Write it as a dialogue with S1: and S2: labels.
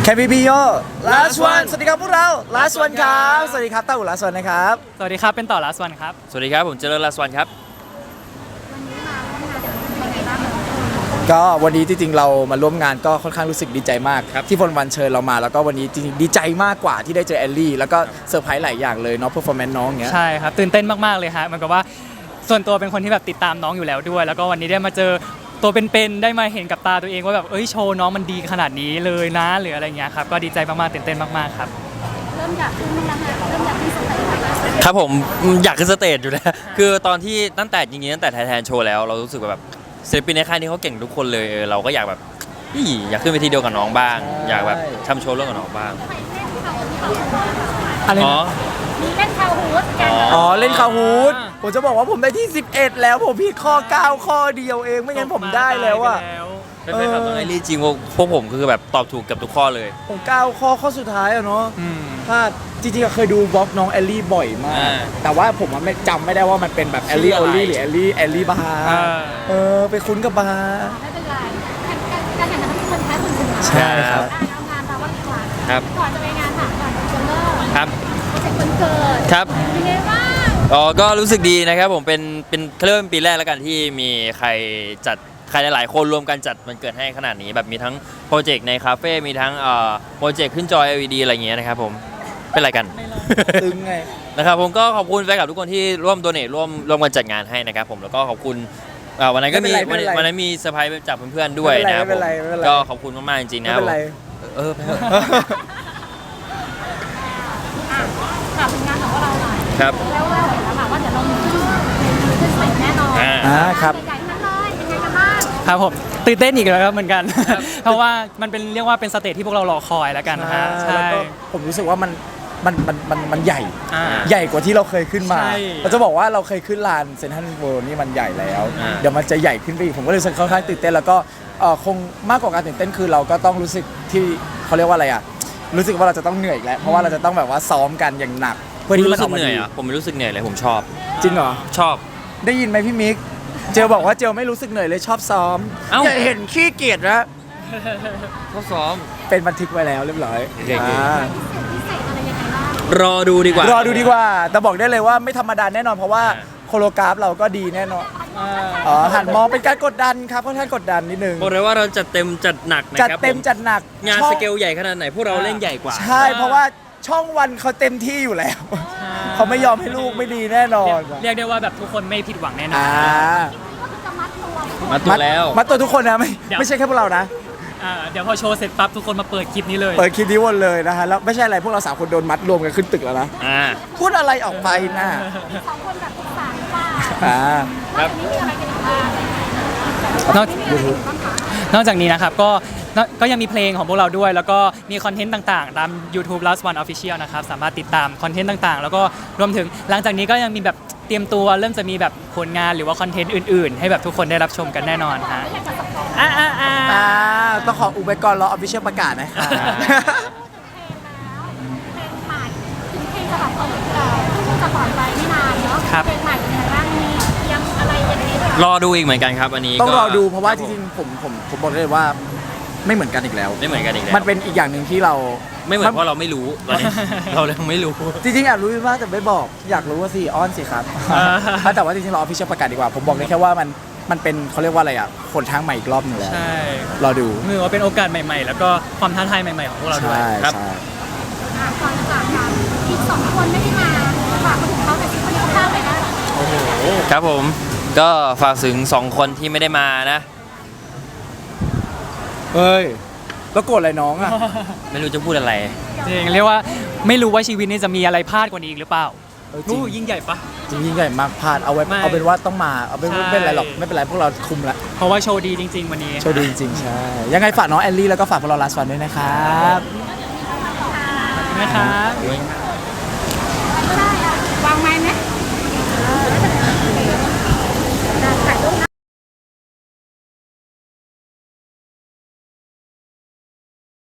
S1: Can we be your last one สวัสดีครับพวกเรา last one ครับสวัสดีครับต้าอู่ last one นะครับ
S2: สวัสดีครับเป็นต่อ last one ครับ
S3: สวัสดีครับผมเจริญลาสวันครับ
S1: ก็วันนี้จริงๆเรามาร่วมงานก็ค่อนข้างรู้สึกดีใจมากที่พลวันเชิญเรามาแล้วก็วันนี้จริงๆดีใจมากกว่าที่ได้เจอแอลลี่แล้วก็เซอร์ไพรส์หลายอย่างเลยเนาะ performance น้องเงี้ย
S2: ใช่ครับตื่นเต้นมากๆเลยฮะเหมือนกับว่าส่วนตัวเป็นคนที่แบบติดตามน้องอยู่แล้วด้วยแล้วก็วันนี้ได้มาเจอตัวเป็นๆได้มาเห็นกับตาตัวเองว่าแบบโชว์น้องมันดีขนาดนี้เลยนะหรืออะไรเงี้ยครับก็ดีใจมากๆตื่นเต้นมากๆครับ
S4: เริ่มอยากขึ้นแล้วนะเริ่มอยากขึ้นสเตจ
S3: ครับผมอยากขึ้นสเตจอยู่แล้วคือตอนที่ตั้งแต่แทนโชว์แล้วเรารู้สึกแบบศิลปินในค่ายนี้เขาเก่งทุกคนเลยเราก็อยากแบบอยากขึ้นเวทีเดียวกับน้องบ้างอยากแบบทำโชว์ร่วมกับน้องบ้าง
S1: อะไรนะ
S4: มีเล่นคาฮูดกัน
S1: เล่นคาฮูดผมจะบอกว่าผมได้ที่11แล้วผมผิดข้อ9ข้อเดียวเองไม่งั้นผมได้แล้วอะ
S3: เป็นแฟนคลับน้องไอรี่จริงพวกผมคือแบบตอบถูกเกือบทุกข้อเลย
S1: ผม9ข้อสุดท้ายอะเนาะพลาดจริงๆเคยดูบล็อกน้องแอลลี่บ่อยมากแต่ว่าผมไม่จำไม่ได้ว่ามันเป็นแบบแอลลี่โอลี่หรือแอลลี่บาร์ไปคุ้นกับบาร์
S4: ไม่เป็นไรการแข่งขันที่คนแพ้คนชนะ
S1: ใช่ครับ
S4: เอางานเราว่าดีกว่า
S3: ครับ
S4: ก่อนจะไปงานถามก่อนจะเริ่ม
S3: ครับ
S4: โปรเจกต์วันเกิด
S3: ครับ
S4: เป็นไงบ้าง
S3: ก็รู้สึกดีนะครับผมเป็นเริ่มปีแรกแล้วกันที่มีใครหลายๆคนรวมกันจัดมันเกิดให้ขนาดนี้แบบมีทั้งโปรเจกต์ในคาเฟ่มีทั้งโปรเจกต์ขึ้นจอ LED อะไรอย่างเงี้ยนะครับผมเป็นอะไรกัน
S1: ตึงไง
S3: นะครับผมก็ขอบคุณแฟนคลับทุกคนที่ร่วมโดเนทร่วมกันจัดงานให้นะครับผมแล้วก็ขอบคุณวันนั้นก็มีวันนั้นมีเซอร์ไพรส์จากเพื่อนๆด้วยนะครับผมก็ขอบคุณมากๆจริงๆนะครับ
S4: ถามถึงงานของเราหน่อย
S3: ครับ
S4: แล้วเห็นแล้วค่ะว่าเดี๋ยวเรามีขึ้นสเตจแน่นอน
S1: ครับ
S4: ใหญ่ๆทั้งเลยเป็นไงกันบ้าง
S2: ครับผมตื่นเต้นอีกแล้วครับเหมือนกันเพราะว่ามันเป็นเรียกว่าเป็นสเตจที่พวกเรารอคอยแล้วกันนะฮะ
S1: ใช่ผมรู้สึกว่ามันใหญ่กว่าที่เราเคยขึ้นมาเราจะบอกว่าเราเคยขึ้นลานเซ็นทรัลเวิลด์นี่มันใหญ่แล้วเดี๋ยวมันจะใหญ่ขึ้นไปอีกผมก็เลยค่อนข้างตื่นเต้นแล้วก็คงมากกว่าการตื่นเต้นคือเราก็ต้องรู้สึกที่เขาเรียกว่าอะไรอ่ะรู้สึกว่าเราจะต้องเหนื่อยอีกแล้วเพราะว่าเราจะต้องแบบว่าซ้อมกันอย่างหนัก
S3: เพื่อที่มันออกมาดีผมไม่รู้สึกเหนื่อยเลยผมชอบ
S1: จริงเหรอ
S3: ชอบ
S1: ได้ยินไหมพี่มิกเจลบอกว่าเจลไม่รู้สึกเหนื่อยเลยชอบซ้อมอย่าเห็นขี้เกียจนะ
S3: ชอบซ้อม
S1: เป็นบันทึกไว้แล้วเรียบร้อย
S3: รอดูดีก
S1: ว่าแต่บอกได้เลยว่าไม่ธรรมดาแน่นอนเพราะว่าโคโรกราฟเราก็ดีแน่นอนหันมองเป็นการกดดันครับค่อนข้างกดดันนิดนึง
S3: บอกเลยว่าเราจัดเต็มจัดหนักนะครับ
S1: จัดเต็มจัดหนัก
S3: งานสเกลใหญ่ขนาดไหนพวกเราเล่นใหญ่กว่า
S1: ใช่เพราะว่าช่องวันเขาเต็มที่อยู่แล้วเขาไม่ยอมให้ลูกไม่ดีแน่นอน
S2: เรียกได้ว่าแบบทุกคนไม่ผิดหวังแน่นอน
S3: มัดตัวแล้ว
S1: มัดตัวทุกคนนะไม่ใช่แค่พวกเรานะ
S2: เดี๋ยวพอโชว์เสร็จปั๊บทุกคนมาเปิดคลิปนี้เลย
S1: เปิดคลิปนี้วนเลยนะฮะแล้วไม่ใช่อะไรพวกเรา3คนโดนมัดรวมกันขึ้นตึกแล้วนะพูดอะไรออกไปนะ
S4: 2คนแบบสามป่า
S1: ครับ
S4: นี่มีอะไรกันอีกบ้าง
S2: นอกจากนี้นะครับก็ยังมีเพลงของพวกเราด้วยแล้วก็มีคอนเทนต์ต่างๆตาม YouTube Last One Official นะครับสามารถติดตามคอนเทนต์ต่างๆแล้วก็รวมถึงหลังจากนี้ก็ยังมีแบบเตรียมตัวเริ่มจะมีแบบผลงานหรือว่าคอนเทนต์อื่นๆให้แบบทุกคนได้รับชมกันแน่นอนฮะ
S1: ต้องขออุบไว้ก่อนรอ Official ประกาศนะครับ
S4: เพลงใหม่ถึงเพลงจะแบบจะปล่อยไปไม่นานเนาะเพลงใหม่เป็นยังไงบ้างมียังอะไรยังไง
S3: รอดูอีกเหมือนกันครับอันนี้
S1: ต้องรอดูเพราะว่าจริงๆผมบอกเลยว่าไม่เหมือนกันอีกแล้วมันเป็นอีกอย่างหนึ่งที่เรา
S3: ไม่เหมือนเพราะเราไม่รู้ตอนนี้เรายังไม่รู้
S1: จริงๆอยากรู้มากแต่ไม่บอกอยากรู้ว่าสิอ้อนสิครับแต่ว่าจริงๆเรา Official ประกาศดีกว่าผมบอกได้แค่ว่ามันเป็นเขาเรียกว่าอะไรอ่ะผลทางใหม่อีกรอบนึงแล้ว
S2: ใช่
S1: รอดู
S2: มือว่าเป็นโอกาสใหม่ๆแล้วก็ความท้าทายใหม่ๆของพวกเราด้วย
S1: ครับ
S4: ก่อนจะจากกันอีก2คนไม่ได้มาฝากมาถึงเขาแต่ที่คนนี้เขาพลาดไปนะ
S3: โอ้โหครับผมก็ฝากถึง2คนที่ไม่ได้มานะ
S1: เฮ้ยแล้วโกรธอะไรน้องอ่ะ
S3: ไม่รู้จะพูดอะไร
S2: จริงเรียกว่าไม่รู้ว่าชีวิตนี้จะมีอะไรพลาดกว่านี้อีกหรือเปล่ายิ่งใหญ่ปะ
S1: จริงยิ่งใหญ่มากพลาดเอาเป็นว่าต้องมาเอาเป็นไม่เป็นไรหรอกไม่เป็นไรพวกเราคุมละ
S2: เพราะว่าโชว์ดีจริงๆวันนี้
S1: โชว์ดีจริงๆใช่ยังไงฝากน้องแอลลี่แล้วก็ฝากพวกเรา Last One ด้วยนะครับ